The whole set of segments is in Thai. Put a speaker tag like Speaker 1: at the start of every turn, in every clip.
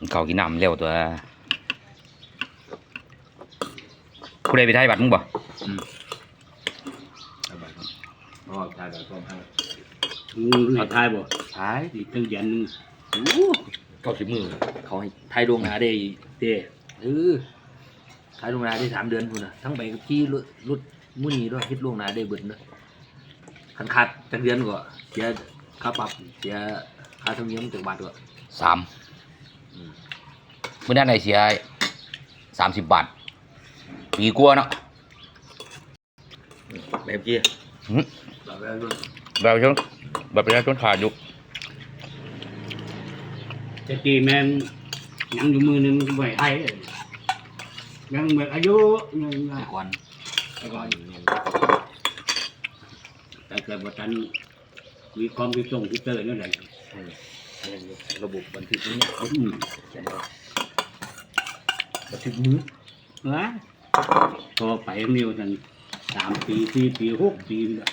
Speaker 1: เขากินน้ำเร็วตัวผู้ใดไปไทยบัตรมึงบ่
Speaker 2: อ๋อทายแบบก็ทาย
Speaker 3: เอาทายบ่
Speaker 2: ทาย
Speaker 3: อีกตั้งยันนึง
Speaker 2: 90 มื้อเขาให้ทายดวงหนาได้เด้ทายดวงหนาได้3 เดือนพุ่นน่ะทั้งไปกับที่รถมื้อนี้ด้วยคิดล่วงหน้าได้เบิดเด้อคันขาดจักเดือนก็เสียค่าปรับเสียค่าธรรมเนียมจักบาทก็
Speaker 1: 3มื้อนั้นได้เสีย30 บาทปีกว่าเนาะ
Speaker 2: แบบกี้
Speaker 1: แบบชนแบบประชาชนขาดอยู่
Speaker 3: จะตีแม่งยังอยู่มือนึงไหวไทยยังแบบอายุยัง
Speaker 2: แต่ก่อน
Speaker 3: แต่เกิดว่าทันมีความพิจงพิเตอร์นั่นแหละ
Speaker 2: ระบบบันทึกนี้
Speaker 3: บันทึกมือนะพอไปนิวทัน3 ปี4 ปี 6 ปีเลย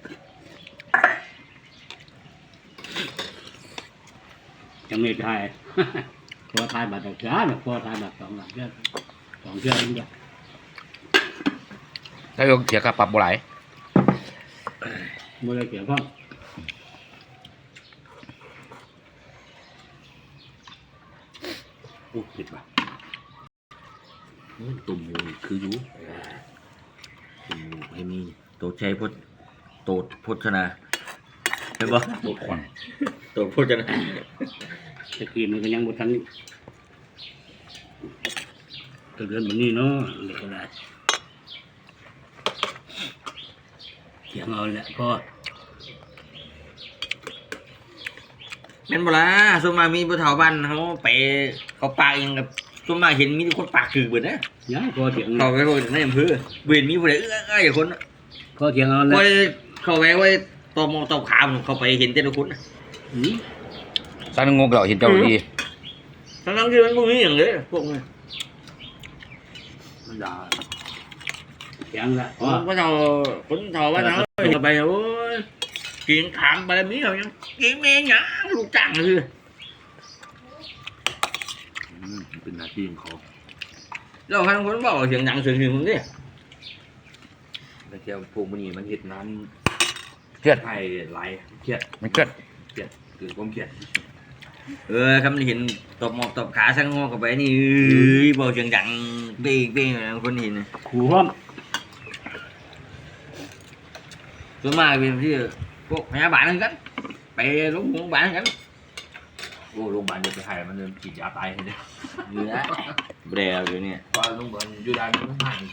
Speaker 3: ยังไม่ได้พอทายบัตรจ้าเนี่ยพอทายบัตร2 หลังเดือน2 เดือนนี่
Speaker 1: ถ้าเสียค่าปรับบ่หลาย
Speaker 3: ไม่ได้เกี่ยวข้อง
Speaker 2: โอ้ผิดว่ะตุ่มหมูคืออยู่ตุ่มหมูให้มีโตชัยโตโพชนาเห็นปะ
Speaker 1: โดดควัน
Speaker 2: โตโพชนา
Speaker 3: ตะกี้มันก็ยังบ่ทันตัวเดือนแบบนี้เนาะเด็กอะไรเสียงเอาแหละก็
Speaker 2: แม่นบ่ล่ะส่วนมากมีผู้เฒ่าบ้านเขาไปเขาปากเองกับส่วนมากเห็นมีแต่คนปากคือเบิดนะ
Speaker 3: ย้ายก็เสียง
Speaker 2: เขาไปคนในอำเภอเบิดมีผู้ใดอย่างคน
Speaker 3: ก็เสียงเอาแหละ
Speaker 2: ก็เขาไปไว้ตอมอตอขาเขาไปเห็นแต่ละคน
Speaker 1: สันงกเราเห็นเจ้าดี
Speaker 2: ทั้งที่มันบ่มีอย่างเลยพวกนี้
Speaker 3: มันด่าเสียงละ
Speaker 2: คนเฒ่าบ้านเขาไปโอ้ยกินขามไปมีเขายังกินแม่งหยังลูกจ้างคือเป็นหน้าที่ของเขาแล้วทั้งคนบอกเสียงดังเสียงหึงมึงดิแต่แกพวกมันนี่มันเห็ดน้ำ
Speaker 1: เครียด
Speaker 2: ไทยไหลเครียด
Speaker 1: มันเครียด
Speaker 2: คือความเครียดคำนี้เห็นตบหมอบตบขาสังงอกับไปนี่บอกเสียงดังเป้งเป้งคนเห็น
Speaker 3: ขู่ห้อม
Speaker 2: ส่วนมากเป็นที่พวกพยาบาลกันไปโรงพยาบาลกันโอ้โรงพยาบาลจะไปให้มันฉีดยาตายเลยเนี่ยเนื้อแบรอยู่เนี่ยว่าโรงพยาบาลยูดานมันไม่ให้